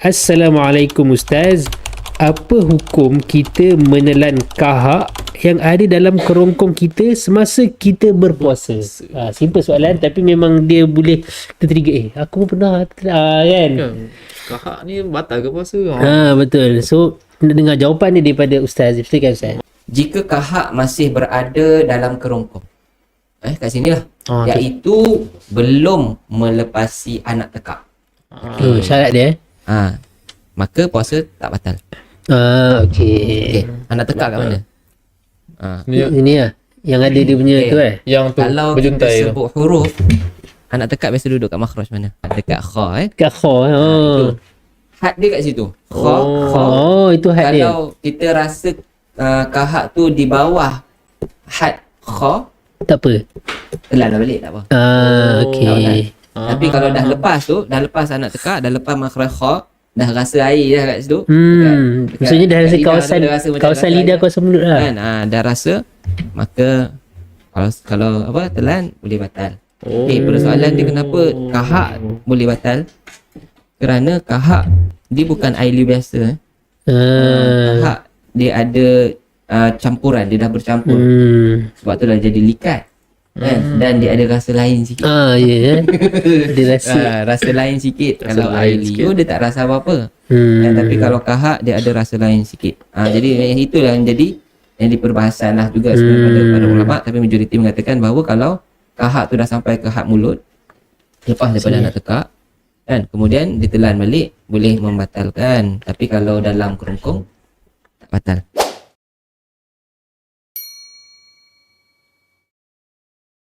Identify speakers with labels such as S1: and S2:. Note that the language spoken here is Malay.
S1: Assalamualaikum Ustaz. Apa hukum kita menelan kahak yang ada dalam kerongkong kita semasa kita berpuasa? Simple soalan tapi memang dia boleh tertrigger. Aku pun pernah kan.
S2: Kahak ni batal ke puasa?
S1: Betul. So nak dengar jawapan dia daripada Ustaz. Betul kan Ustaz?
S3: Jika kahak masih berada dalam kerongkong, kat sini lah, iaitu belum melepasi anak tekak,
S1: Syarat dia.
S3: maka puasa tak batal.
S1: Okey.
S3: Anak tekak kat mana?
S1: Ini lah yang ada dia punya tu
S2: Yang tu
S3: Kalau kita
S2: berjuntai tu.
S3: sebut huruf, anak tekak biasa duduk kat makhraj mana? Dekat kha
S1: kat kha.
S3: itu. Had dia kat situ. Kha.
S1: Itu had dia.
S3: Kalau kita rasa kahak tu di bawah had kha,
S1: Tak apa.
S3: telan dah balik, tak apa.
S1: Okey.
S3: Tapi kalau dah lepas tu, dah lepas anak tekak, dah lepas makhraj kha, dah rasa air dah kat situ.
S1: Maksudnya dah rasa
S3: lidah
S1: kawasan
S3: tu dah rasa macam
S1: kawasan
S3: rasa
S1: lidah,
S3: air.
S1: kawasan mulut lah.
S3: Kan? Dah rasa, maka kalau telan boleh batal. Persoalan dia kenapa kahak boleh batal? Kerana kahak dia bukan air liur biasa. Kahak dia ada campuran, dia dah bercampur. Sebab tu dah jadi likat. Kan? Dan dia ada rasa lain sikit.
S1: Dia rasa
S3: Rasa lain sikit.
S2: Rasa
S3: Kalau
S2: lain
S3: air liur dia tak rasa apa-apa. Tapi kalau kahak dia ada rasa lain sikit. Jadi itulah yang jadi perbahasan lah juga sebenarnya pada ulama, tapi majoriti mengatakan bahawa kalau kahak tu dah sampai ke had mulut, lepas daripada anak tekak, kan, kemudian ditelan balik, boleh membatalkan. Tapi kalau dalam kerongkong tak batal.